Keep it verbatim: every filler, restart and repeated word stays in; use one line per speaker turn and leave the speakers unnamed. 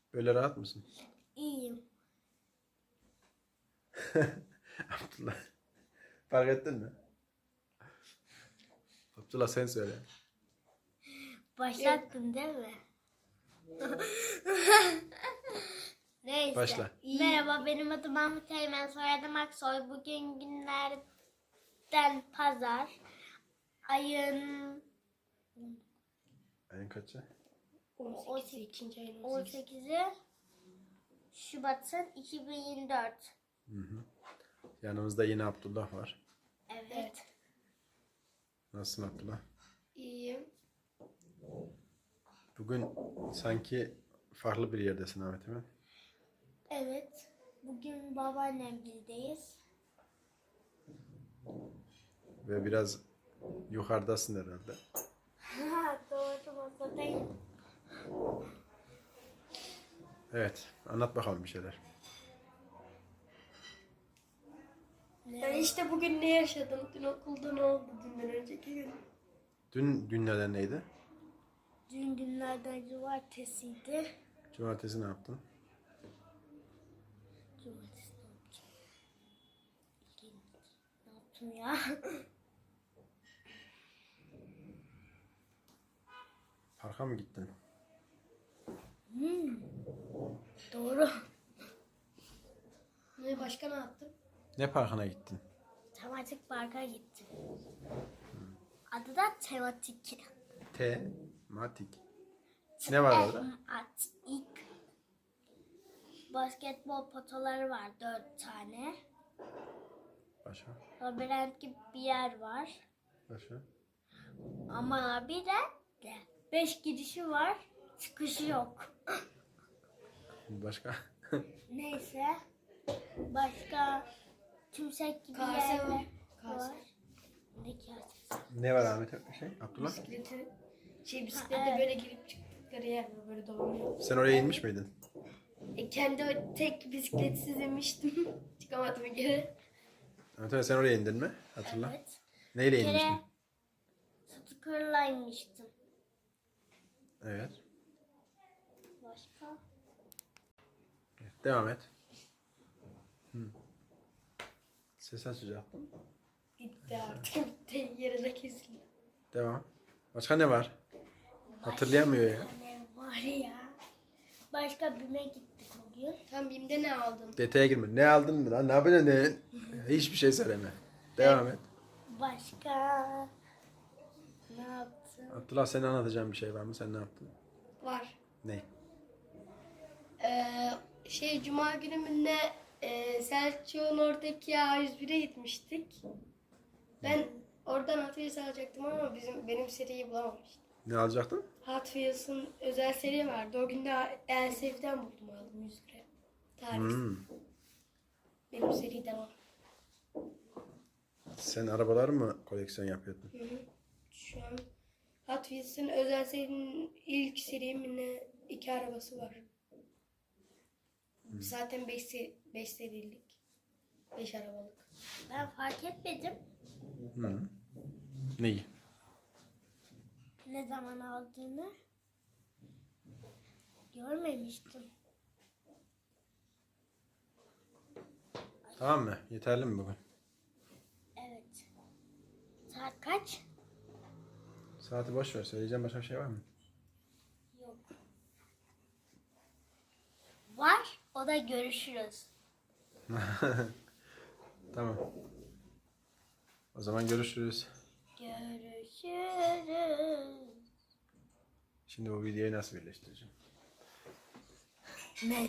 Böyle rahat mısın?
İyiyim.
Abdullah. Fark ettin mi? Abdullah sen söyle.
Başlattın değil mi? Neyse.
Başla.
Merhaba, benim adım Mahmut Eymen, soyadım Aksoy. Bugün günlerden pazar. Ayın
Ayın kaçı?
on sekizi on sekizi Şubat'ın iki bin yirmi dört.
Hı hı. Yanımızda yine Abdullah var.
Evet.
Evet.
Nasılsın Abdullah?
İyiyim.
Bugün sanki farklı bir yerdesin Ahmet Emin.
Evet. Bugün babaannemgildeyiz.
Ve biraz yukarıdasın herhalde.
Doğru, masadayım.
Evet. Anlat bakalım bir şeyler.
Ben işte bugün ne yaşadım? Dün okulda ne oldu dünden önceki gün?
Dün günlerden neydi?
Dün günlerden cumartesiydi.
Cumartesi ne yaptın?
Cumartesi ne yapacağım? İlginç. Ne yaptım ya?
Parka mı gittin?
Hmm. Doğru.
Ne başka ne yaptım?
Ne parkına gittin?
Tematik parka gittim. Adı da tematik.
Tematik. Ne var orada?
Tematik. Basketbol potaları var, dört tane.
Başka?
Labirent gibi bir yer var.
Başka?
Ama bir de de beş girişi var, çıkışı yok.
Başka?
Neyse. Başka tümsek gibi
Kase
yerler
var.
var.
Kase.
Ne kasesi?
Ne var Ahmet şey? Abdullah?
Bisikleti, şey bisiklete
Ha, evet.
böyle girip çıktıkları yer var, böyle dolanıyor.
Sen oraya inmiş miydin?
E, kendi o tek bisikletsiz inmiştim. Çıkamadım bir kere.
Ahmet Emin sen oraya indin mi? Hatırla.
Evet.
Neyle
Bir kere
inmiştin?
scooter'la inmiştim.
Evet.
Başka?
Devam et. Hı. Ses açacaktım.
Gitti artık. Gitti. Yerine kesildi.
Devam. Başka ne var? Hatırlayamıyor ya.
Başka ne var ya? Başka BİM'e gittik bugün.
Tam BİM'de ne aldın?
Detaya girme. Ne aldın mı lan? Ne yapacaksın? Ne? Hiçbir şey söyleme. Devam et.
Başka ne yaptım?
Abdullah senin anlatacağın bir şey var mı? Sen ne yaptın?
Var.
Ne?
Ee, şey Cuma günümünde e, Selçuk'un oradaki A yüz bire gitmiştik. Ben oradan Hot Wheels alacaktım ama bizim benim seriyi bulamamıştım.
Ne alacaktın?
Hot Wheels'ın özel seri vardı. O gün de L S F'den buldum, aldım yüz lira. Tarih.
Hmm.
Benim seriden var.
Sen arabalar mı koleksiyon yapıyordun?
Hı hı. Şu an Hot Wheels'ın özel serinin ilk serimine iki arabası var. Zaten beş beş serilik. beş arabalık.
Ben fark etmedim.
Hı. Neyi?
Ne zaman aldığını görmemiştim.
Tamam mı? Yeterli mi bugün?
Evet. Saat kaç?
Saati boş ver. Söyleyeceğim başka bir şey var mı?
Yok. Var. O da görüşürüz.
Tamam. O zaman görüşürüz.
Görüşürüz.
Şimdi bu videoyu nasıl birleştireceğim?
Ne?